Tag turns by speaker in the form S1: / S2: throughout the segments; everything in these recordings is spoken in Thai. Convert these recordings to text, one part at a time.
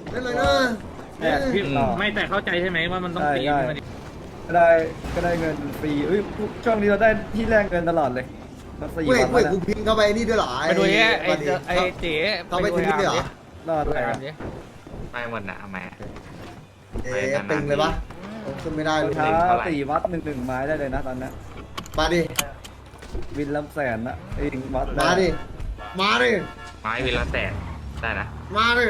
S1: เล่นเลยนะ
S2: พี่ไม่แต่เข้าใจใช่ไหมว่ามันต้องตีมัน
S3: ก็ได้เงินฟรีช่วงนี้เราได้ที่แลกเงินตลอดเลยมา4
S1: เว้ย
S3: วัน
S1: เว้ย
S3: แล้ว
S1: กูพิงเข้าไปนี่ด้วยเหรอ
S4: ไปดูไอ้
S1: วันนี้
S4: ไอ้เจ๋
S1: เขาไปทิ้งด้วยเหรอ
S3: รอด
S4: ดู
S3: ไป
S4: ไอ้อาร์มดิ
S5: ไปหมดนะเอามา
S1: เอ๊ะตึงเลยปะขึ้นไม่ได้เลย
S3: ท้า4 วัด1 ไม้ได้เลยนะตอนนี้
S1: มาดิ
S3: วินลำแสนนะเองวัด
S1: มาดิ มาดิ
S5: ไม้วิลละแสนได้นะ
S1: มาดิ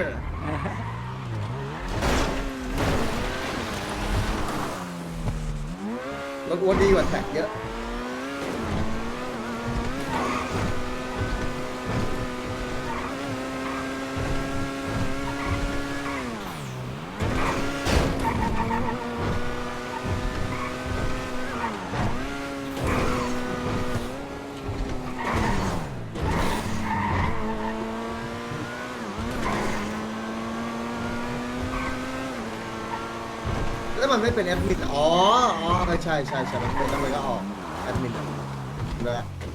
S1: รถอ้วนดีกว่าแท็กเยอะ แล้วมันไม่เป็นแอดมินอ๋อใช่มันเป็นแล้วมันก็ออกแอดมินเลย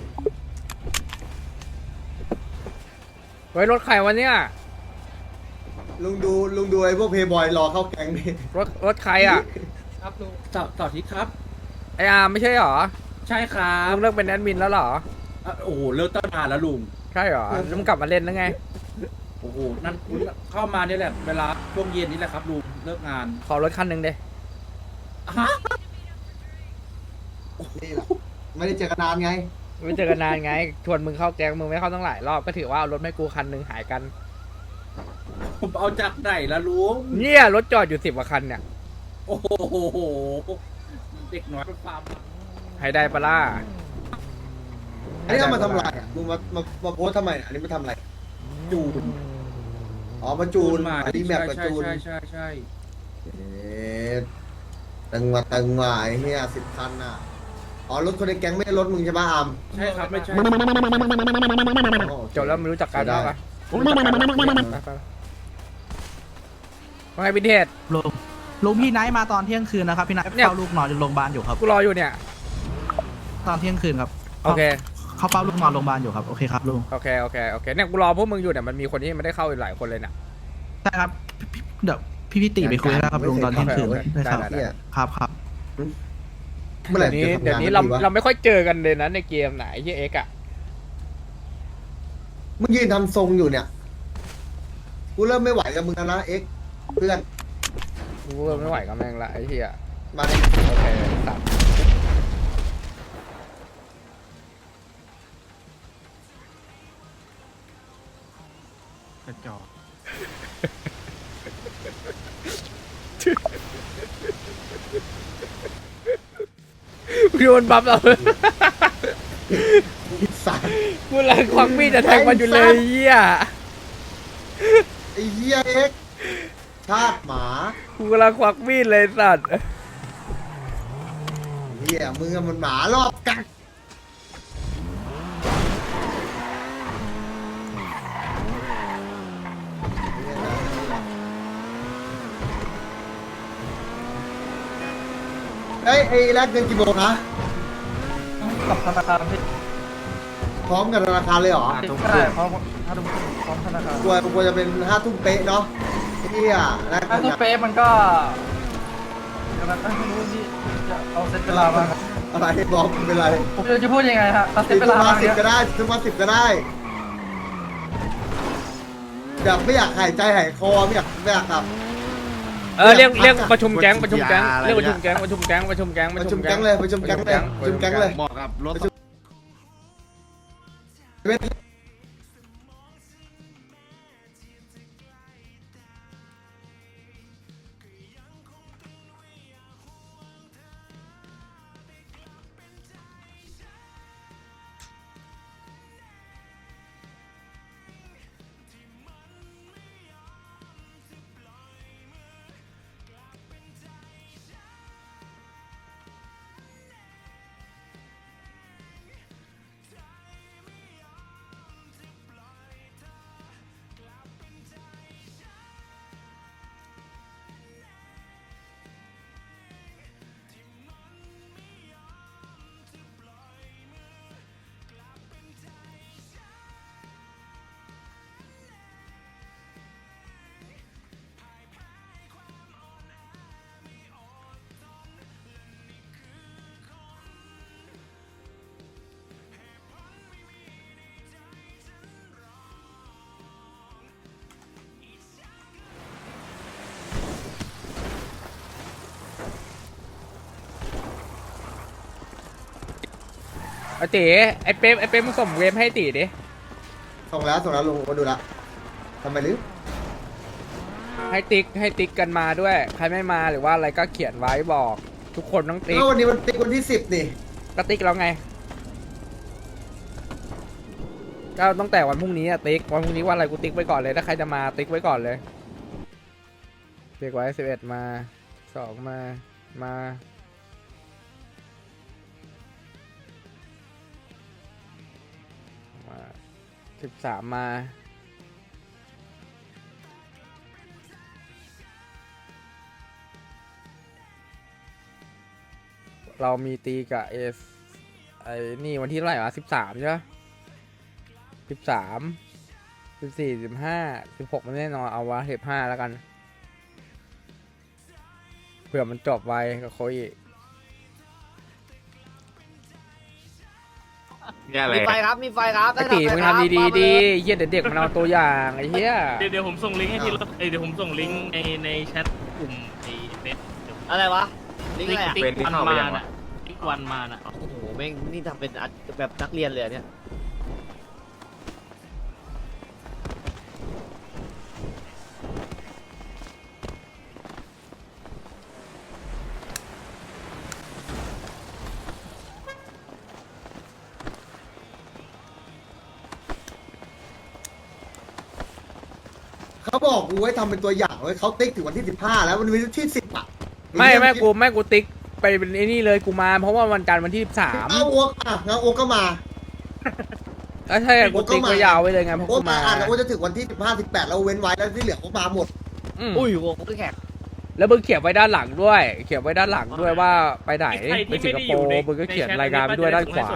S4: เฮ้ยรถใครวะเนี่ย
S1: ลุงดูไอ้พวกเพย์บอยรอเข้าแก๊งนี่
S4: รถใครอ่ะ
S2: ครับลุงต่อทิศครับ
S4: ไออาร์มไม่ใช่หรอ
S2: ใช่ครั
S4: ลุ
S2: บ
S4: งเลิกเป็นแอดมินแล้วเหรอ
S2: โอ้โหเลิกตั้งนานแล้วลุง
S4: ใช่หรอแล้วมึงกลับมาเล่นแล้วไง
S2: โอ้โหนั่นเข้ามาเนี่ยแหละเวลาช่วงเย็นนี่แหละครับลุงเลิกงาน
S4: ขอรถคันหนึ่งเด้
S2: ฮะ
S1: นี่แหละไม่ได้เจอกันนานไง
S4: ไม่เจอกันนานไงชวนมึงเข้าแก๊งมึงไม่เข้าตั้งหลายรอบก็ถือว่าเอารถให้กูคันหนึ่งหายกัน
S2: ผมเอาจากไหนละลุง
S4: เนี่ยรถจอดอยู่10 กว่าคันเนี่ย
S2: โอ้โหเด็กน้อยเป็นฟาร์ม
S4: ให้ได้ปะล่ะ
S1: อันนี้เอามาทำอะไรอ่ะมึงมาโพสทำไมอันนี้มาทำอะไร
S2: จูน
S1: อ๋อมาจูน
S2: มา
S1: อันนี้แมปกับจูน
S2: ใช่
S1: เอ๊ะตึงมาไอ้เหี้ย10 คันน่ะอ๋อรถคนในแก๊งไม่ใช่รถมึงใช่ปะอาม
S2: ใช่ครับไม่ใช่
S1: อ๋อโอเค
S4: จบแล้วไม่รู้จักกัน
S1: ได้
S4: แล้วปะว่าไงวินเทจ
S6: ลุงพี่ไนท์มาตอนเที่ยงคืนนะครับพี่ไนท์
S4: เนี่ย
S6: เฝ้าลูกนอนอยู่โรงพยาบาลอยู่ครับ
S4: กูรออยู่เนี่ย
S6: ตอนเที่ยงคืนครับ
S4: โอเค
S6: เขาเฝ้าลูกนอนโรงพยาบาลอยู่ครับโอเคครับลุง
S4: โอเคเนี่ยกูรอพวกมึงอยู่เนี่ยมันมีคนที่ไม่ได้เข้าอีกหลายคนเลยเนี่ย
S6: ใช่ครับเดี๋ยวพี่ติไปคุยได้ครับลุงตอนเที่ยงคืน
S4: โอเค
S6: ได้ครับ
S1: เนี่ย
S6: ครับ
S1: เมื่อไหร่
S4: เดี๋ยวนี้
S1: จะทำงาน
S4: เรา
S1: ดีวะ
S4: เราไม่ค่อยเจอกันเลยนะในเกมไหนที่เอ็กอะ
S1: มึงยืนทำทรงอยู่เนี่ยกูเริ่มไม่ไหวกับมึงแล้วนะเอ็กซ์เพื่อน
S4: กูไม่ไหวกับแม่งละไอ้เหี้ย
S1: มาดิ
S4: โอเคตัด
S6: กระจอก
S4: กูโดนบัฟเรา
S1: สัตว์
S4: กูเลยควักมีดจะแทงมันอยู่เลยเหี้ย
S1: ไอ้เหี้ยเอ็กซ์ชาติหมา
S4: กูกำลังควักมีดเลยสัตว์
S1: เหี้ยมึงอะมันหมารอบกัดเอ้ยไอ้แลกเงินกี่โมงนะ
S6: กับธนาคารพี่
S1: พร้อมกับธนาคารเลยเหรอ
S6: ใช่พร้อมพร้อมธนาคาร
S1: ควรจะเป็น5 ทุ่มเป๊ะเนาะไอ้เหี้ยแลก
S6: ถ้า
S1: เงิน
S6: ทุก
S1: อะ
S6: เป๊ะมันก็กำลังไม่รู้ที่จะเอาเซตเวลามาครับ
S1: อะไรบอกมึงเป็นไร
S6: ผมจะพูดยังไงฮะเอาเซต
S1: สิบ
S6: เวลา
S1: มา
S6: มา
S1: สิบ
S6: เนี่ย
S1: ก็ได้สิบมา10 ก็ได้แบบไม่อยากหายใจหายคอไม่อยากแบบ
S4: เรียกประชุมแก๊งเรียกประชุมแก๊ง
S1: ประชุมแก๊งเลยประชุมแก๊งเลย
S2: เหมาะกับรถ
S1: เป็น
S4: ไอ้ตีไอ้เป๊ปมึงส่งเวฟให้ตีดิ
S1: ส่งแล้วลงมาดูละทำไมลืม
S4: ให้ติ๊กกันมาด้วย ใครไม่มาหรือว่าอะไรก็เขียนไว้บอก ทุกคนต้องติ๊ก
S1: ก็วันนี้มันติ๊กวันที่10นี่
S4: ก็ติ๊กแล้วไงก็ตั้งแต่วันพรุ่งนี้อะติ๊กวันพรุ่งนี้วันอะไรกูติ๊กไว้ก่อนเลยถ้าใครจะมาติ๊กไว้ก่อนเลยติ๊กไว้11มา2มา13มาเรามีตีกับไอ้นี่วันที่เท่าไหร่วะ13ใช่ปะ13 14 15 16มันแน่นอนเอาวะ15แล้วกันเผื่อมันจบไวกับโคอี
S5: เนี่ยอะไร
S7: มีไฟครับ มีไฟครับ
S4: ไอ้ตีมึงทำดีๆดีเหี้ยเดี๋ยวเด็กมันเอาตัวอย่างไอ้เหี้ย
S8: เดี๋ยวผมส่งลิงก์ให้ทีละเดี๋ยวผมส่งลิงก์ในแชทกลุ่มไอ้เฟซ
S7: อะไรวะ ลิงก์อะไรอ่ะ
S8: ติ๊กวันมาน่ะติ๊กวันมาน่ะ
S7: โอ้โหแม่งนี่ทำเป็นแบบนักเรียนเลยอะเนี่ย
S1: เขาบอกกูไว้ทำเป็นตัวอย่างไว้เขาติ๊กถึงวันที่15แล้ววันนี้ที่10อ่ะ
S4: ไม่กูติ๊กไปเป็นไอ้นี่เลยกูมาเพราะว่าวันจันทร์วันที่13
S1: เอาโอ๊กอ่ะงั้นโอ๊กก็มา
S4: แล้วใช่กูติ๊กไว้ยาวไว้เลยไงเพราะ
S1: โอ๊
S4: กู
S1: กมา
S4: มา
S1: อ่ะแล้วโอ๊กจะถึงวันที่15 18แล้วเว้นไว้แล้วที่เหลือโอ๊กมาหมด
S7: อุ้ยวงก็แขก
S4: แล้วมึงเขียนไว้ด้านหลังด้วย เขียนไว้ด้านหลังด้วยว่าไปไหนไปสิงคโปร์มึงก็เขียนรายการไปด้วยด้านขวา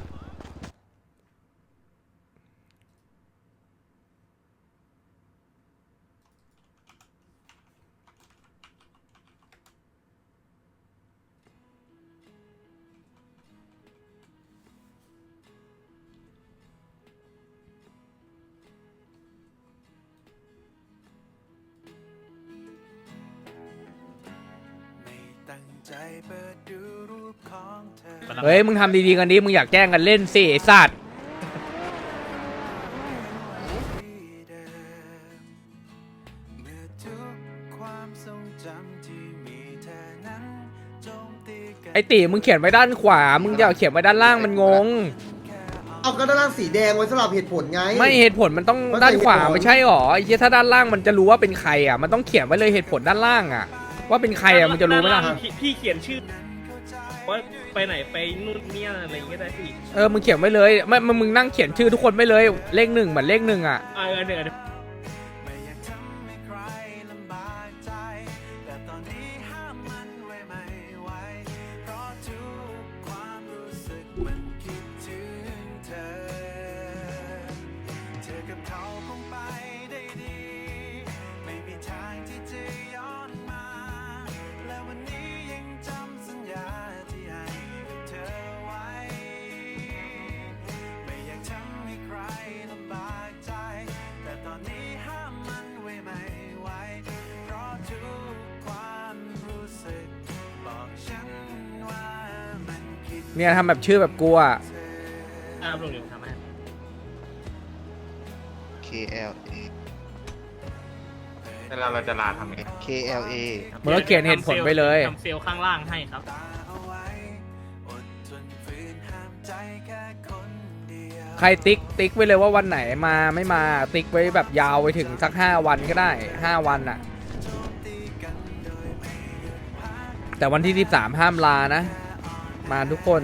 S4: เฮ้ยมึงทำดีๆกันดิมึงอยากแจ้งกันเล่นสิไอ้สัตว์ไอ้ตีมึงเขียนไว้ด้านขวามึงอย่าเขียนไว้ด้านล่างมันงง
S1: เอาก็ด้านล่างสีแดงไว้สำหรับเหตุผลไง
S4: ไม่เหตุผลมันต้องด้านขวาไม่ใช่หรอไอ้เหี้ยถ้าด้านล่างมันจะรู้ว่าเป็นใครอ่ะมันต้องเขียนไว้เลยเหตุผลด้านล่างอ่ะว่าเป็นใครอ่ะมันจะรู้ไหมล่ะ
S8: พี่เขียนชื่อว่าไปไหนไปนู่นเนี่ยอะไรอย่างเงี้ยได้พี่
S4: มึงเขียนไว้เลยไม่มึงนั่งเขียนชื่อทุกคนไว้เลยเลข 1เหมือนเลข 1อ่ะ
S8: เดี๋ยว
S4: เนี่ยทำแบบชื่อแบบกูอ่ะ
S8: ลงเดี๋ยวทำให้
S9: KLA
S5: เวลาเราจะลาทำไง
S9: KLA
S4: มึงก็เขียนเหตุผลไปเลย
S8: ทำเซลล์ข้างล่างให้ครับ
S4: ใครติ๊กไว้เลยว่าวันไหนมาไม่มาติ๊กไว้แบบยาวไปถึงสัก5 วันก็ได้5 วันอ่ะแต่วันที่13ห้ามลานะมาทุกคน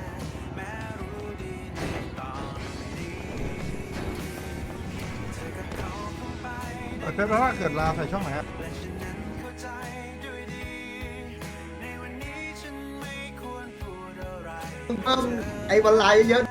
S6: เกิดว่าเกิดลาใส่ช่องไหนครับ
S1: มึงเพิ่มไอ้วันไลน์เยอะ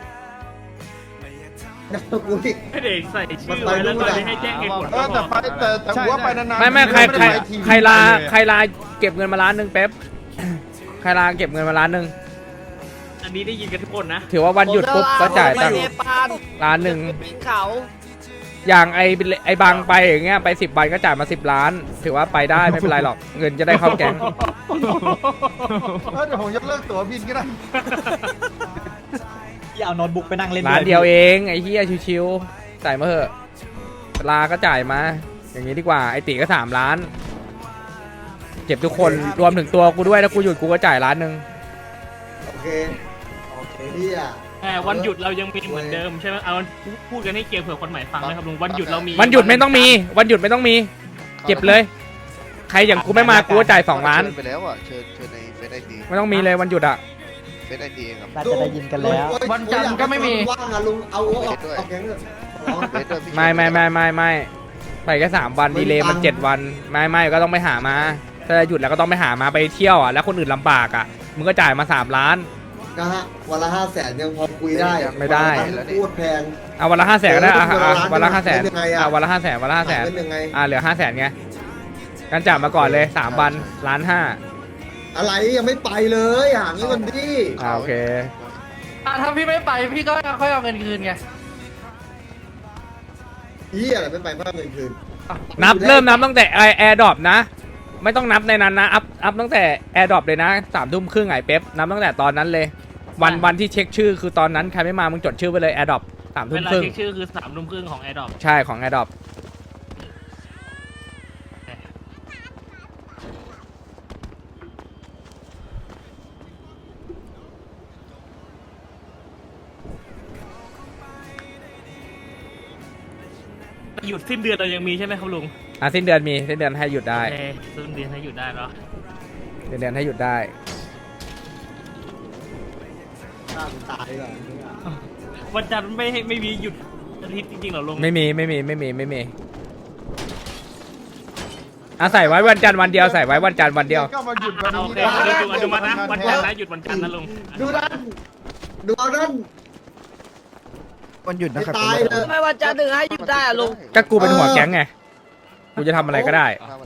S1: นะกูอีก
S8: ไม่ได้ใส่ชื่อไว้แล้วก็ให้แจ้งเหตุผล
S6: แต่หัวไปนานๆ
S4: ไม่ใครลาเก็บเงินมา1,000,000เป๊ปใครลาเก็บเงินมา1,000,000
S8: อันนี้ได้ยินกันทุกคนนะ
S4: ถือว่าวันหยุดปุ๊บก็จ่ายตังค์ 1,000,000
S7: ปีนเขา
S4: อย่างไอ้บางไปอย่างเงี้ยไป10 วันก็จ่ายมา10 ล้าน ถือว่าไปได้ไม่เป็นไรหรอกเงินจะได้เข้าแก๊ง
S6: เดี๋ยวผมยกเลิกตั๋วบินก็ได้อย่าเอาโน้ตบุ๊กไปนั่งเล่น
S4: ร้านเดียวเองไอ้เหี้ยชิวๆจ่ายมาเถอะลาก็จ่ายมา อย่างนี้ดีกว่าไอ้ตีก็3 ล้านเจ็บทุกคนรวมถึงตัวกูด้วยถ้ากูหยุดกูก็จ่าย1 ล้าน
S1: โอเคเฮีย
S8: แต่วันหยุดเรายังมีเหมือนเดิมใช่ไหมเอาพูดกันให้เกียร์เผื่อคนใหม่ฟังนะครับลุงวันหยุดเรามี
S4: วันหยุดไม่ต้องมีวันหยุดไม่ต้องมีเก็บเลยใครอย่างกูไม่มากูก็จ่าย2 ล้าน
S9: ไปแล้วอ่ะเชิญในเฟซไอดี
S4: ไม่ต้องมีเลยวันหยุดอ่ะ
S9: เฟซไอดีเองครับ
S6: น่าจะได้ยินกันแล้ว
S1: วันจันทร์ก็ไม่มีว่างอะลุงเอาออกแก๊งเลย
S9: เฟซด้วยพี่
S4: ไม่ไปแค่3 วันดีเลยมัน7 วันไม่ก็ต้องไปหามาถ้าหยุดแล้วก็ต้องไปหามาไปเที่ยวอ่ะแล้วคนอื่นลำบากอ่ะมึงก็จ่ายมา3 ล้าน
S1: นะฮะวันละ500,000ยังพอคุยได้
S4: ไม่ได้
S1: พูดแพง
S4: เอาวันละ500,000ก็ได้อ่ะวันละ500,000
S1: เป็นยังไงอะ
S4: วันละ500,000วันละ
S1: เป็นยังไง
S4: 500,000เหลือ500,000ไงกันจ่ายมาก่อนเลย3 วัน1.5 ล้าน
S1: อะไรยังไม่ไปเลยหาเงินดิ
S4: โอเค
S6: ถ้าพี่ไม่ไปพี่ก็ค่อยเอาเงินคืนไง
S1: เฮียอะไรไม่ไปเพิ่มเงินคืน
S4: เริ่มนับตั้งแต่แอร์ดรอปนะไม่ต้องนับในนั้นนะอัพตั้งแต่แอร์ดรอปเลยนะ3:30ไอ้เป๊ปนับตั้งแต่ตอนนั้นเลยวันที่เช็คชื่อคือตอนนั้นใครไม่มามึงจดชื่อไปเลยแอร์ดรอป
S8: เวลา
S4: 3:30
S8: เช็คชื่อคือ3:30ของแอร์ดอป
S4: ใช่ของแอร์ดรอป
S8: หยุดสิ้นเดือนเรายังมีใช่ไหมครับลุง
S4: สิ้นเดือนมีสิ้นเดือนให้หยุดได้
S8: โอเคสิ้นเดือนให้หยุดได้เนาะ
S4: สิ้นเดือนให้หยุดได้
S1: ตายเลย
S8: วันจันทร์ไม่มีหยุดอาทิตย์จริงๆเหรอลุง
S4: ไม่มีใส่ไว้วันจันทร์วันเดียวใส่ไว้วันจันทร์วันเดียว
S9: ก็มาหยุดวัน
S8: โอ
S9: นี้
S8: เคลุงอนุมัตินะวันจันทร์นะหยุดวันจันทร์นะลุง
S1: ดูนั่นดูเอานั่น
S9: วันหยุดนะครับ
S1: ตายเลย
S7: ไม่วันจันทร์ถึงให้หยุดได้อะลุง
S4: ก็กูเป็นหัวแก๊งไงกูจะทำอะไรก็ได้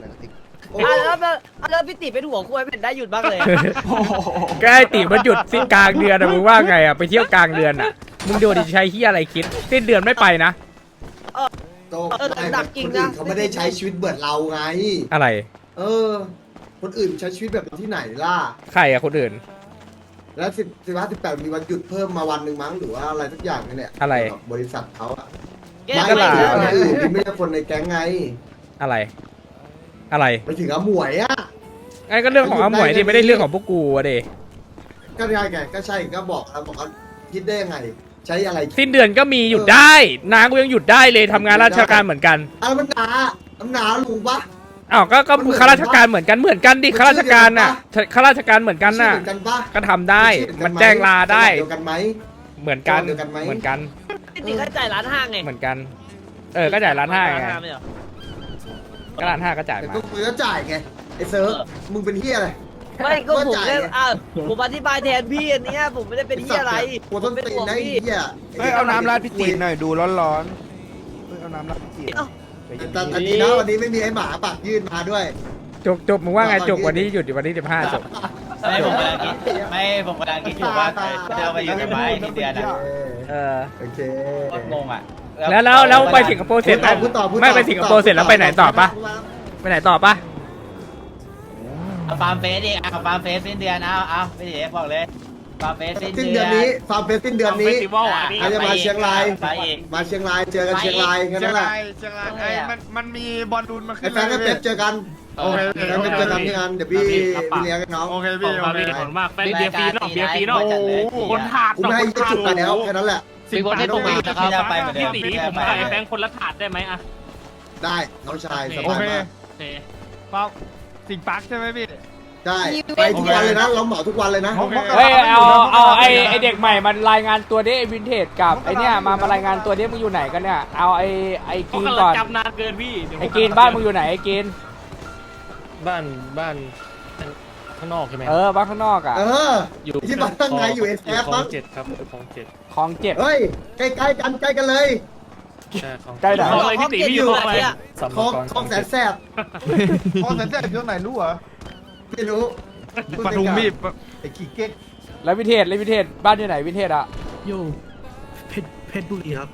S7: แล้วพี่ติเป็นหัวคุยไม่เห็นได้หยุดบ้างเลย
S4: ก็ไอ้ตีมันหยุดสิ้นกลางเดือนอะมึงว่าไงอะไปเที่ยวกลางเดือนอะมึงดูดิใช้เฮียอะไรคิดสิ้นเดือนไม่ไปนะ
S1: โตคนอื่นเขาไม่ได้ใช้ชีวิตเบิดเราไง
S4: อะไร
S1: คนอื่นใช้ชีวิตแบบที่ไหนล่ะ
S4: ใครอะคนอื่น
S1: แล้ว18มีวันหยุดเพิ่มมาวันหนึ่งมั้งหรือว่าอะไรสักอย่างเนี่ย
S4: อะไร
S1: บริษัทเขาอะ
S7: แก
S1: ไม่
S4: ก็
S1: ใช่
S4: ล่ะ
S1: คนอื่นที่ไม่ใช่คนในแก๊งไง
S4: อะไร
S1: ไปถึงอาหมวยอะ
S4: ไอ้ก็เรื่องของอาหมวยดิไม่ได้เรื่องของพวกกูอะเด
S1: ก็ใช่ไงก็ใช่ก็บอกแล้วบอกว่าคิดได้ยังไง ใช้อะไร
S4: สิ้นเดือนก็มีหยุดได้นางกูยังหยุดได้เลยทำงานราชการเหมือนกัน
S1: อะไรมันหนาลุงปะ
S4: อ้าวก็ข้าราชการเหมือนกันดิข้าราชการน่ะข้าราชการเหมือนกันน่ะ
S1: เหมือนกันปะ
S4: ก็ทำได้มันแจ้งลาได้
S1: เดียวกันไหม
S4: เหมือนกัน
S1: เดียวกันไหม
S4: เหมือนกัน
S7: พี่ติก็จ่าย1.5 ล้านไง
S4: เหมือนกันก็จ่าย1.5 ล้านไง
S7: ไม่เหรอ
S4: ก็1.5 ล้านก็จ่าย
S1: แต่
S4: มา
S1: ก็คุยก็จ่ายไงไอ้เซิร์ฟมึงเป็นเฮียอะไร
S7: ไม่ก็ผม
S1: จ่าย
S7: เล่น
S1: ไง
S7: ผมอธิบายแทนพี่อันเนี้ยผมไม่ได้เป็นที่อะไร
S1: หัวต้นตีนนะไอ้เฮีย
S9: เฮ้ยเอาน้ำราดพี่ตีนหน่อยดูร้อนๆเฮ้ยเอาน้ำราดพี่ตีน
S1: แต่อันนี้นะวันนี้ไม่มีไอ้หมาปากยื่นมาด้วย
S4: จบมึงว่าไงจบวันนี้หยุดวันที่15จบ
S6: ไม่ผมกำลังคิดอยู่ว่าจะไปอยู่ไหมที่เดือนอ่ะ
S1: โอเค
S6: งงอ่ะ
S4: แล้วไปสิงคโปร์เสร็จแล้ว
S1: พูดต่อ
S4: ไม่ไปสิงคโปร์เสร็จแล้วไปไหนต่อปะไปไหนต่อปะ
S6: ฟาร์มเฟสดิฟาร์มเฟสสิ้นเดือนเอาพี่ติบอกเลยฟาร์มเฟสสิ้น
S1: สิ้น
S6: เดื
S1: เดื
S6: อ
S1: อน นนี้ฟาร์มเฟสสิ้นเดือนนี้
S8: เฟสติวัลอ่ะนี่
S1: ใครจะมาเชียงราย
S6: ไปอีก
S1: มาเชียงรายเจอกันเชียงรายแค่นั้นแหละ
S9: เชียงรายไอ้มันมีบอลลูนมาขึ้
S1: ไอ้
S9: น
S1: แฟนกับเป๊ปเจอกัน
S9: โอเค
S1: แฟนกับเป๊ปเจอกันที่งานเดี๋ยวพี่เลี้ยงให้น้อง
S9: โอเค
S8: ข
S9: พี่
S8: อบ
S9: โอ
S8: คุณ
S9: เค
S8: ขอบคุณมากแฟนเบียร์ฟรีเนาะเบียร์ฟรีเนาะ คนถาด
S1: กูไม่ให้จุดไปแล้วแค่นั้นแหละ
S8: สิ่ง
S1: ไม่ต้องมา
S8: พี่ตีผมขายแฟนคนละถาดได้ไหมอะ
S1: ได้น้องชายส
S9: โอบ
S1: าย
S9: เค
S1: มาก
S8: โอเค
S9: ป๊อปสิงปักใช่ไหมพี่
S1: ได้ไปทุกวันเลยนะเราเหมาทุกวันเลยนะ
S4: เฮ้ยเอาไอเด็กใหม่มันรายงานตัวดิไอวินเทจกับไอเนี่ยมารายงานตัวดิมึงอยู่ไหนกันเนี่ยเอาไอกีนก่อน
S8: จำนานเกินพี่
S4: ไอกีนบ้านมึงอยู่ไหนไอกีน
S10: บ้านข้างนอกใช่ไหม
S4: บ้านข้างนอกอ่ะ
S10: อยู่
S1: ที่บ้านข้างในอยู่เอสแอฟ
S10: คลอ
S1: มั้
S10: ง
S1: ง
S10: 7ครับคลอง7
S4: ของเจ็บ
S1: เฮ้ยใกล้ๆกันเลย
S10: ใช่คลอง
S4: ใกล้ไหน
S8: คลองอะไรพี่ตีพี่อยู่คลองอะไร
S10: สัม
S1: คลอง
S10: กร
S1: คลองแสนแสบ
S9: พอสันเสร็จเรื่องไหนรู้เหรอ
S1: ไม่รู้
S9: ปทุมพี่ไอ้ขี้เก๊ก
S4: แล้ววินเทจบ้านอยู่ไหนวินเทจอ่ะ
S10: อยู่เพชรบุรีครับ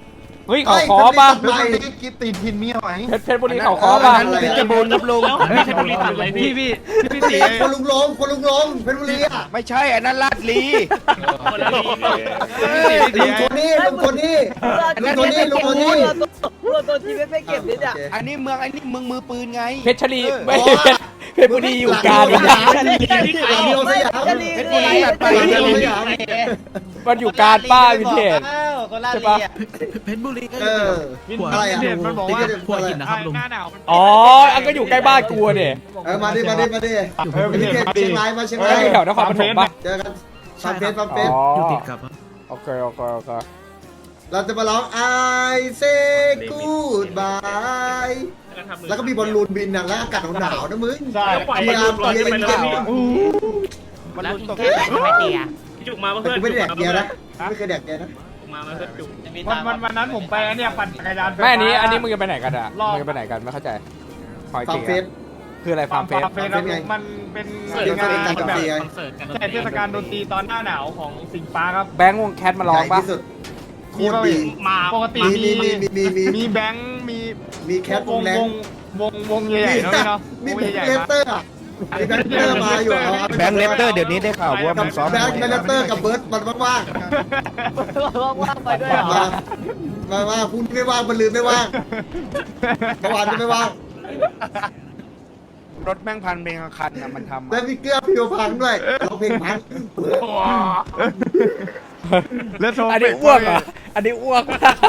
S4: เฮ้ยเขาคอป่ะ
S1: ไม่
S9: กิฟตีทินเมียไหม
S4: เพชรบุรีเขาคอป่ะ
S9: เพชรบูรณ์ครับลุง
S8: ไม่ใช่บุรีตัดเลยพี่
S1: พี่ตีคนลุงลงเพชรบุรีอ่ะ
S9: ไม่ใช่อันนั้นลาดลี
S8: คนละลี
S1: ลุงโทนี่ลุงโทนี่ลุงโทนี่ลุงโทนี่
S7: ตัวทีไม่เก็บนิดอ่ะ
S9: อันนี้เมืองมือปืนไง
S4: เพชรลีไม่เพชรบุรีอยู่กลาง
S1: เดียวสยาม
S9: เพชรบุรีตัดไป
S1: เดียวสยาม
S4: มันอยู่กลางป้าวินเทจ
S6: คนละ
S4: ใช่
S6: ลี
S4: ปะ
S6: อ่ะ
S1: อะไรอ่ะ
S3: มันบอกว่า
S1: พวกกินนะครับ
S3: หน้าหนาว
S4: อ๋ออันก็อยู่ใกล้บ้านกูเนี่ย
S1: มาดิเชียงรายมาเชียงราย
S4: แถวนครปฐมป่ะ
S1: เจอกันฟังเฟส
S4: อยู่ติดกับโอเค
S1: เราจะมาร้อง I say goodbye แล้วก็มีบอลลูนบินนะแล้วอากาศหนาวนะมึง
S8: ใช่ปล่อยมันลอยไปเลยพี่
S9: มันลุ้นตก
S8: จุกมาเพื่อน
S1: กูไม่ได้แดกเกียร์นะไม่เคยแดกเกียร์นะ
S8: มาเพื่อนจุก
S3: วันนั้นผมไปเนี่ยปั่นจักรยาน
S4: แม่อันนี้มึงจะไปไหนกันอ่ะมึงจะไปไหนกันไม่เข้าใจหอย
S1: ฟัง
S4: เก่ง
S1: เฟส
S4: คืออะไรฟาร์มเฟส
S3: มันเป็น
S1: เกี่ยวกับการดนตรีไง
S3: ใช่เทศกาลดนตรีตอนหน้าหนาวของสิงห์ฟ้าครับ
S4: แบงค์วงแคทมาร้อง
S1: ใหญ่
S4: ป่ะ
S1: ที่สุดโคตรดี
S8: มา
S3: ปกติ มีแบงค์มี
S1: แคทวงแรง
S3: วงใหญ่ๆเนาะพี่เนาะ
S1: มี
S3: วง
S1: แบง
S3: ใหญ่
S1: ค์เล
S3: ๆ
S1: สเตอร์อ่ะมีแบงค์เลสเตอร์มาอยู่
S9: แบงค์เลสเตอร์เดี๋ยวนี้ได้ข่าวว่ามันซ้อม
S1: แบงค์เลสเตอร์กับเบิร์ดมันว่าง
S7: ว่างไปด้วยเหรอ
S1: มาพูดไม่ว่างมันลืมไม่ว่างเมื่อวานก็ไม่ว่าง
S9: รถแม่งพันเพลงคันนะมันทำ
S1: แล้วมีเกลือพิวพังด้วยร้องเพลงพัง
S3: แล้วโทร
S4: อันนี้อ้วกเหรออันนี้อ้วก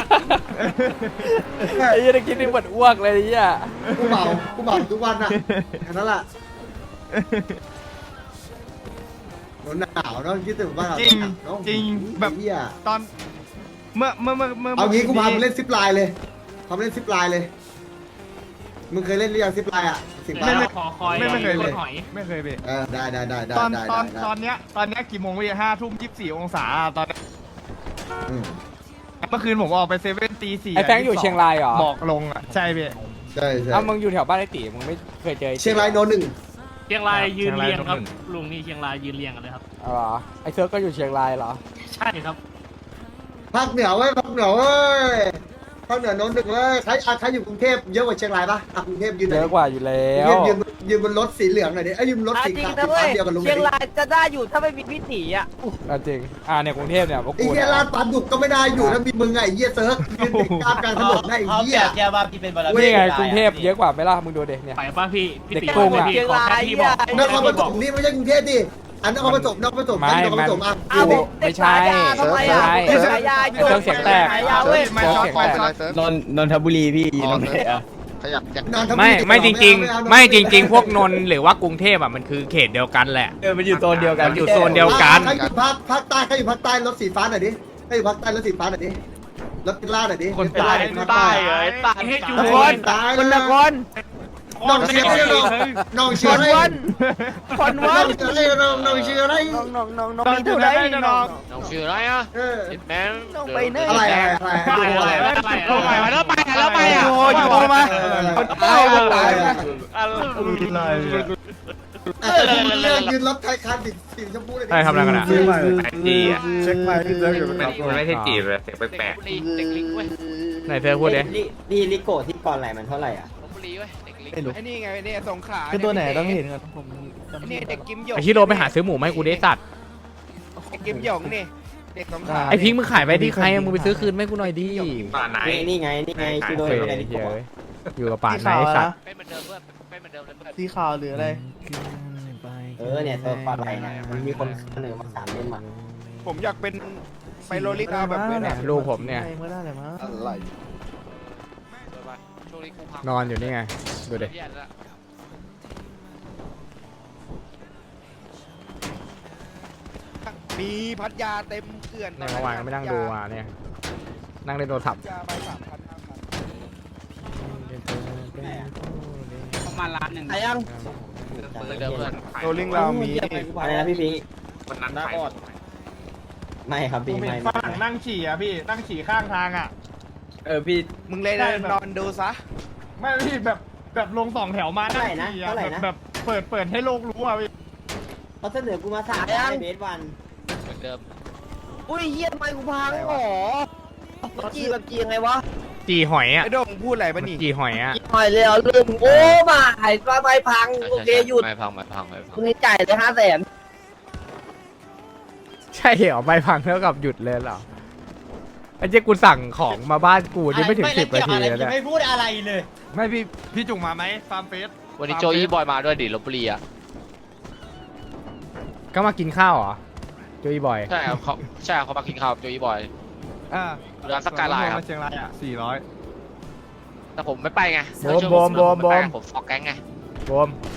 S4: ไอ้ยี่ตะกี้นี่เหมือนอ้วกเลยเนี่ย
S1: กูเมาทุกวันอ่ะแค่นั้นแหละหนาวเนาะคิดถึงว่า
S3: จริงแบบ
S1: เหี้ย
S3: ตอนเมื่อ
S1: เอางี้กูพามึงเล่นซิปไลน์เลยพามึงเล่นซิปไลน์เลยมึงเคยเล่นหรือยังซิปไลน์อ่ะสิบาท
S8: ขอคอย
S3: ไม่เคยเลย
S8: หอย
S3: ไม่เคยพี่
S1: ได้
S3: ตอนเนี้ยกี่โมงพี่5:24 องศาตอนเมื่อคืนผมออกไปเซเว่นตี 4
S4: ไอ้แฟงอยู่เชียงรายเหรอ
S3: บอกลงอ่ะใช่พี่
S1: ใช่
S4: เอามึงอยู่แถวบ้านไอ้ตีมึงไม่เคยเจอ
S1: เชียงรายโนหนึ่ง
S8: เชียงรายยืนเรียงครับลุงนี่เชียงรายยืนเรียงกันเลยครับ
S4: อ๋อไอ้เซิร์ฟก็อยู่เชียงรายเหรอ
S8: ใช่ครับ
S1: ภาคเหนือเว้ยภาคเหนือเว้ยภาคเหนือโนหนึ่งเลยใครอยู่กรุงเทพเยอะกว่าเชียงรายปะกรุงเทพยืน
S4: เยอะกว่าอยู่แล้ว
S1: ยืนบนรถสีเหลืองหน่อยดิยืนบนรถสี
S7: จริง
S1: ขาว
S7: นะเว้ย
S1: เดียวกับลุง
S7: เชียงรายจะได้อยู่ถ้าไม่มีพี่ตีอ่ะ
S4: จริงเนี่ยกรุงเทพเนี่ยพวก
S1: ไอ้
S4: กู
S1: เหี้ย
S4: เนี่ย
S1: ลาดปลาดุกก็ไม่ได้อยู่แล้วมีมึงไงเหี้ยเซิร์ฟยืนติดกลางถนนได้ไอ้
S6: เขา
S1: เหี้ย
S6: แบบแกว่าพี่เป็นบารมี
S4: นี่ไงกรุงเทพเยอะกว่าไหมล่ะมึงดูเด็เนี่ย
S8: ไปป่ะพี่
S4: เด็ก
S8: ตี
S4: โกงอะ
S8: พี่ขอแค่พี่บอก
S1: นครปฐมนี่ไม่ใช่กรุงเทพดิอันนครปฐมนครปฐม
S4: ไม่
S1: นครปฐมอ่ะ
S7: เอา
S4: ไม่ใช่
S7: ทำไมอ่ะ
S4: ไม่ใช่
S7: ฉายา
S4: เซิร์ฟเสียงแตก
S7: ฉายาเว้ย
S3: ไม่ช็อตไปช็อต
S9: นนทบุรีพี่นนท
S1: ขยับ
S4: ไม่จริงพวกนนท์หรือว่ากรุงเทพอ่ะมันคือเขตเดียวกันแหละ
S9: มันอยู่โซนเดียวกัน
S4: มันอยู่โซนเดียวกัน
S1: ใครอยู่ภาคใต้ใครอยู่ภาคใต้รถสีฟ้าหน่อยดิใครอยู่ภาคใต้รถสีฟ้าหน่อยดิรถติล่าหน่อยดิ
S3: คนใต้
S1: ภาคใต้
S8: ให้จู
S1: นครตาย
S9: คนนคร
S1: น้องเชียร์ให้น้องเชียร์ให้
S9: คนวั
S1: น้อน งเชียร์ให้น้องเชียร์ให้
S3: น้องอยู่ไหนน้อง
S10: น้องชื่ออะไรอ่ะ
S1: เออ
S10: แบงค์
S9: ต้องไปเนย
S1: อะไร
S10: แล้วไปอ่ะ
S9: โอ้ยอยู่ตรงมาคนใต้คนใต้
S1: เลือกยืนรถไทยคันสีชมพูเลย
S4: ใช่ทำอะไรกันอ่ะ
S5: จีอ่ะ
S3: เช็คไมค์พี่เซิร์ฟอยู่
S5: มันไม่ใช่จีบแบบเสียงแปลก
S10: เด็กลิงเว้ย
S4: ไหนเธอพูดดิ
S6: นี่ลิโก้ที่ก่อนไหลมันเท่าไหร่อ่ะ
S10: ลพบุรีเว้ยเด็กลิง
S9: ไอ้นี่ไงเนี่ยสงขลา
S3: คือตัวไหนต้องเห็นกัน
S9: นี่เด็กกิมหยง
S4: ไอชิโร่ไปหาซื้อหมูมาให้กูได้สัตว์
S9: เด็กกิมหยงนี่เด็กสงขลา
S4: ไอพิงค์มึงขายไปที่ใครอะมึงไปซื้อคืนไม่กูหน่อยดิ
S5: ๆป่าไหน
S6: นี่ไงชิโด
S4: เฮ้
S6: ย
S4: ย
S6: ไงลิโก้
S4: อยู่กับป่านไหนไอ้สัตว์
S10: เป็นเหมือนเดิมเพื่อนเป็นเหมือนเดิมเลยเพื่อน
S3: สีขาวหรืออะไร
S6: เนี่ยตัวก่อนไหลนะมันมีคนเสนอมา3เล่มมา
S9: ผมอยากเป็นไปโรลิกาแบบนี้
S4: เนี่ยลูกผมเนี่ย
S3: เมื่อได้เลยมั้ง
S9: อะไร
S10: ช่วงนี้กูพัง
S4: นอนอยู่นี่ไงดูดิ
S10: แย่แล้ว
S9: มีพัทยาเต็มเกลื่อน
S4: ในเมื่อวานก็ไม่นั่งดูอ่ะเนี่ยนั่งเล่นโทรศัพท์
S9: ยาไป3,000
S6: ประมาณล้านหนึ่งยัง
S10: เหมือนเดิมเพื่อน
S9: โรลิงเรามี
S6: อะไรนะพี่พิง
S5: วันนั้นขาย
S6: ไม่ครับ
S3: ผ
S6: พี่
S3: มเห็
S6: ไม่
S3: นฝรั่งนั่งฉี่อ่ะพี่นั่งฉี่ข้างทางอ่ะ
S9: มึงเลยนอนดูซะ
S3: ไม่พี่แบบลง2 แถวมานั่งฉี่อ่ะแบบเปิดให้โลกรู้อ่ะพี่
S6: เขาเสนอกูมา3เบสวัน
S10: เหมือนเดิม
S7: อุ้ยเฮียทำไมกูพังหรอจีแบบจียังไงวะ
S4: จีหอยอ่ะ
S9: ไอ้โดงพูดอะไร
S4: มั
S9: ปะ
S4: น
S9: นี่
S4: จีหอยอ่ะ
S7: หน่อยเลยเอาลืมโอ้มาหายไฟพังโอเคหยุด
S10: ไม่พังไม่พังไม่พัง
S7: คุณจ่ายเลย500,000
S4: ใช่เหรอไม่พังเท่ากับหยุดเลยเหรอไอ้เจ๊กูสั่งของมาบ้านกูนี่ไม่ถึง10 นาทีแล้วเนี่ย
S6: ไม่พูดอะไรเลย
S3: ไม่พี่จุงมาไหมฟาร์มเฟส
S10: วันนี้โจอี้บอยมาด้วยดิลพบุรีอ่ะ
S4: ก็มากินข้าวเหรอโจยบอย
S10: ใช่ครับเขามากินข้าวโจอี้บอย
S3: อ่า
S10: ร้านสกายไลน์ครับ
S3: เชียงรายอ่ะ400
S10: แต่ผมไม่ไปไง
S4: โบม
S10: ผมฟอกแก๊งไง
S4: โบ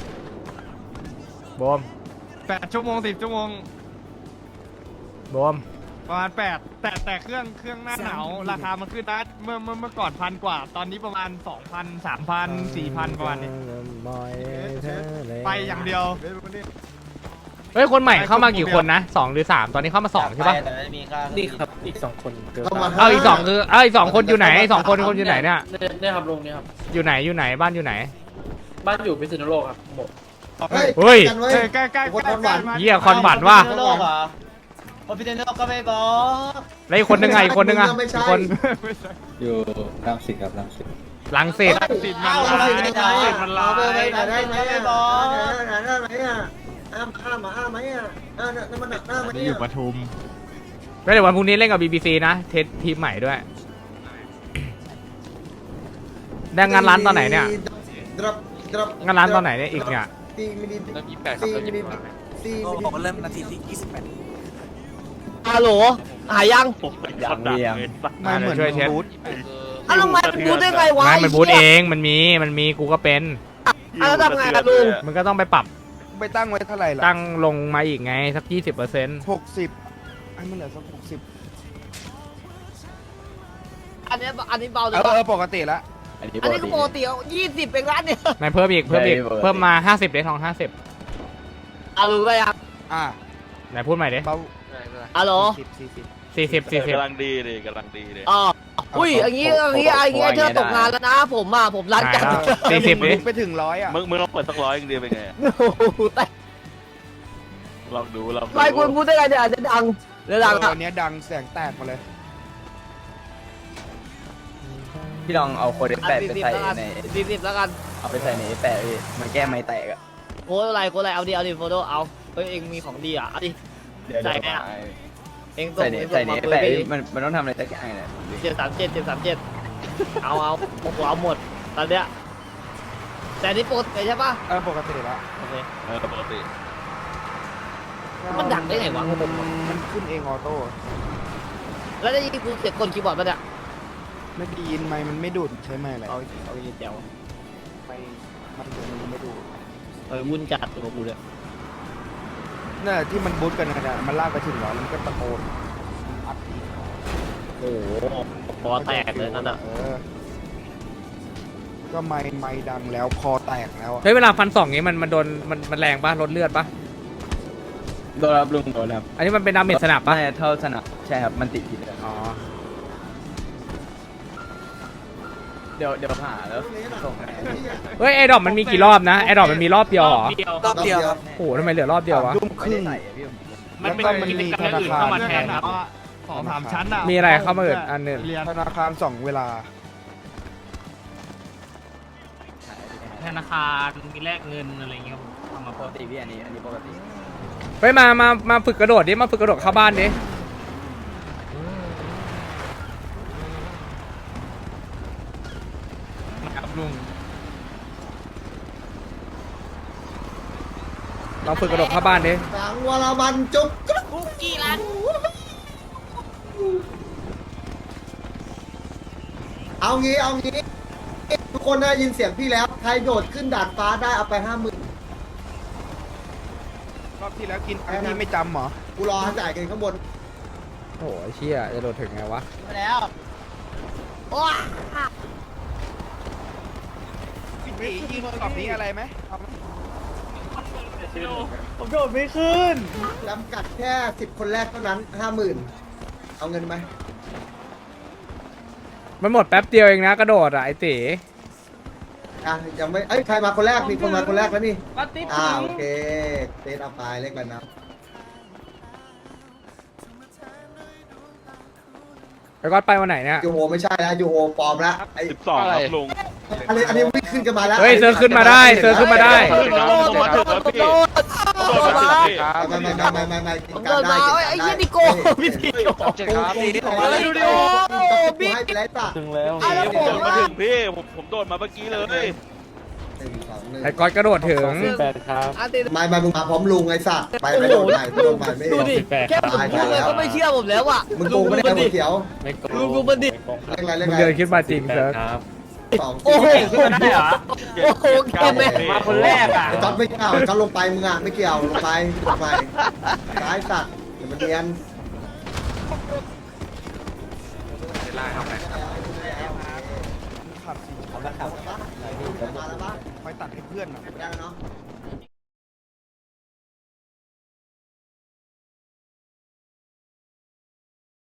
S4: ม
S3: 8 ชั่วโมง 10 ชั่วโมง
S4: โบม
S3: ประมาณ8แต่เครื่องหน้าหนาวราคามันขึ้นนะเมื่อก่อน1,000 กว่า ตอนนี้ประมาณ 2,000 3,000 4,000 ประมาณนี้ ไปอย่างเดียว
S4: เฮ้ยคนใหม่เข้ามากี่คนนะ2 หรือ 3ตอนนี้เข้ามา2ใช่ปะ
S10: นี่ครับอีก2คน
S1: เข้ามา
S4: เอาอีก2คือเอาอีก2คนอยู่ไหน2คนอยู่ไหนเนี่ย
S10: เนี่ยครับลุงเนี่ยครับ
S4: อยู่ไหนบ้านอยู่ไหน
S10: บ้านอยู่พิษณุโลกครับหมด
S4: เฮ้ย
S1: กันไว้
S3: ใกล้
S1: คนหวาน
S4: เหี้ยคอนบัตว่า
S6: โลกเหรอโอพิเทนโลกก็ไม่บอก
S4: แล้วอีกคนนึงไงอีกคนนึงอ่ะ
S1: ไม่ใช่
S4: อีกคน
S3: อยู่รังสิตครับรังสิต
S4: ลังสิต
S3: สิบ
S6: เอ้า
S3: มัน
S6: ไม่
S3: ลาย
S6: ได้
S3: มัน
S1: เอา
S3: ลา
S1: ไป
S3: ย
S1: ไหนได้ไหม
S6: ไม่บอก
S1: ไหนได้ไหมอ่ะอ้ามไหมอ่ะเนี่ยมันหนักหน้าไหม
S3: นี่
S1: เนี่
S3: อยู่ปทุม
S4: แล้วเดี๋ยววันพรุ่งนี้เล่นกับ BBC นะเทสทีมใหม่ด้วยได้งานร้านตอนไหนเนี่ยงานร้านตอนไหนเนี่ยอีกเนี่ย
S10: เริ่ม28ครับเริ่ม28
S9: เริ่มนาทีที่
S7: ฮัลโหลหายยัง
S3: มันเหมือน
S4: ช่วยเช็ด
S3: บูธ
S7: อ้าวทำไมพูดได้ไงวะ
S4: ไม่มันบูทเองมันมีกูก็เป็น
S7: อ้าวแล้วทำไงอะลุง
S4: มันก็ต้องไปปรับ
S9: ไปตั้งไว้เท่าไหร่ล่ะ
S4: ตั้งลงมาอีกไงสัก 20%
S9: 60ให้มันเหลือสัก60
S7: อันนี้เบาเลย
S9: ปกติละ
S7: อันนี้ก็ปกติ20เป็นร้านเนี่ย
S4: นายเพิ่มอีกเพิ่มมา50เดททอง50
S7: เอาลุงไปยัง
S9: อ่ะ
S4: ไหนพูดใหม่ดิ
S9: เบา
S7: ฮัลโหล
S4: 40
S5: กำลังดีเลยกำลังดีเลย
S7: อ๋ออุ้ยอย่างงี้เธอตกงานแล้วนะผมร้านจัด
S4: 40ดิ
S9: ไปถึง100อ่ะ
S5: มึงลองเปิดสัก100อย่างเดียวเป็นไง
S7: โอ้โหแต่
S5: ลองดู
S7: ไม่คุณพูดได้ไงเนี่ยอาจจะดังหรือดัง
S9: อันนี้ดังแสงแตกมาเลย
S3: พี่ลองเอาโคเด
S7: 40แล้วกัน
S3: เอาไปใส่ในแปะมันแก้ไม่แตกอ่ะ
S7: โค้ดอะไรเอาดิโฟโต้เอาเฮ้ยเองมีของดีอ่ะเอาดิใส่ไงอ่ะเองส่งมาเปิดไป
S3: มันต้องทำอะไรสักอย่างเนี่ย
S7: 737เอาเอาหมดตอนเนี้ยแต่นี่ปกติใช่ปะ
S9: ปกติละ
S7: โอเค
S5: ปกติ
S7: มันดังได้ไงวะ
S9: มันขึ้นเองออโต้
S7: แล้วได้ยินกูเสียงกลคีย์บอร์ดปะเนี่ย
S9: ไม่ได้ยินไมค์มันไม่ดูดใช้ไมค์อะไร
S7: เอายินแจ๋ว
S9: ไปมันไม่ดูด
S7: วุ่นจัดตัวกูเลย
S9: น่ะที่มันบูทกันนะมันลากไปถึง100แล้วมันก็ตะโกนอัดอีก
S7: โอ้โหคอแตกเลยนั่นอ่ะ
S9: ก็ไมค์ดังแล้วคอแตกแล้วอะ
S4: เฮ้ยเวลาฟันสองนี้มันโดนมันแรงปะลดเลือดปะ
S3: โดนครับลุงโดนครับ
S4: อันนี้มันเป็นดาเมจสนับปะ
S3: ใช่เท่าสนับใช่ครับมันติดผิดเลย
S4: อ๋อ
S3: เดี๋ยวผ่าแล้วส่งให้
S4: เฮ้ยไอดอปมันมีกี่รอบนะไอดอปมันมีรอบเดียวเหรอ
S1: รอบเดียวครับ
S4: โอ้โหทำไมเหลือรอบเดียววะ
S9: ทุ่มครึ่ง
S3: มันเป็นกิจกรรมอื่นเข้ามาแทนครับ 2-3 ชั้นอ่ะ
S4: มีอะไรเข้ามาอื่นอันหนึ่ง
S9: ธนาคาร2 เวลา
S8: ธนาคารมีแลกเงินอะไรเงี้ยทำมา
S3: ปกติพี่อันนี้ปกติ
S4: เฮ้ยมาฝึกกระโดดดิมาฝึกกระโดดเข้าบ้านดิ
S3: ครับลุง
S4: ลองฝึกกระโดดเข้าบ้านดิ
S1: สังวรมันจุ๊บ
S7: คุกกี้ร้าน
S1: เอางี้ทุกคนได้ยินเสียงพี่แล้วใครโดดขึ้นดาดฟ้าได้เอาไป50,000
S9: รอบที่แล้วกินอันนี้ไม่จำเหรอ
S1: กูรอจ่ายเงินข้างบน
S4: โอ้ยเชี่ยจะโดดถึงไงวะ
S6: ไปแล้ว
S7: ว้า
S9: พี่ตียิงรอบนี้อะไรไหมเอาไหม
S7: ผมโดดไม่ขึ้น
S1: จำกัดแค่10 คนแรกเท่านั้น 50,000 เอาเงินไหม
S4: มันหมดแป๊บเดียวเองนะกระโดดอ่ะไอตี
S1: ยังไม่ใครมาคนแรกมีคนมาคนแรกแล้วนี่โอเคเตะเอาไปเลขอะไรนะ
S4: ไอ้ก๊อตไปวันไหนเนี่ย
S1: ยูโฮไม่ใช่แล้วยูโฮปลอมละไอ้
S5: 12ครับลุง
S1: อันนี้วิ่งขึ้นกันมาแล้ว
S4: เฮ้ยเซิร์ฟขึ้นมาได้เซิร์ฟขึ้นมาได้
S5: มาถึงแล้วพี่โดนมาถึงพี่
S1: ไม่กิน
S7: ผม
S1: กั
S7: เดิ
S1: น
S7: น
S1: ได้
S7: มาไอ้เหี้ยนี่โกพี่ที
S9: เจ็ดครับพี่
S1: ดูดิโอบิ๊กให้ไปแล้วป่ะ
S10: ถึงแล้ว
S5: โดนมาถึงพี่ผมโดนมาเมื่อกี้เลย
S4: ไอ้ก๊อตกระโดดถึง
S10: 8ครับ
S7: อาติ
S1: ไม่มึงมาพร้อมลุงไอ้สัตว์ไปโดนใหม่โดนใหม่ไม่
S7: ดูดิแค่ผมพูดเลยก็ไม่เชื่อผมแล้วอ่ะ
S1: มึงโกงไม่ได้หัวเขียว
S10: ไม่โกง
S7: ลุงดูมันดิ
S1: เล่นอะไรเล่น
S4: มึง
S1: อะไร
S4: เดินขึ้นมาจริงเซิร์ฟ
S10: ครับ
S1: สอง
S7: โอ้โห
S6: ขึ้นมาได้เหรอ
S7: โอ้โหเกมเลย
S6: มาคนแรกอ่ะ
S1: ไอ้จอดไม่เกี่ยวจอดลงไปมึงอ่ะไม่เกี่ยวลงไปซ้ายสัตว์เดี๋ยวมันเนียน
S9: ขับสิ
S1: มาแล้วปะ
S9: ไปตัดให้เพื่อนอ่ะ
S1: ได้แล้วเนาะ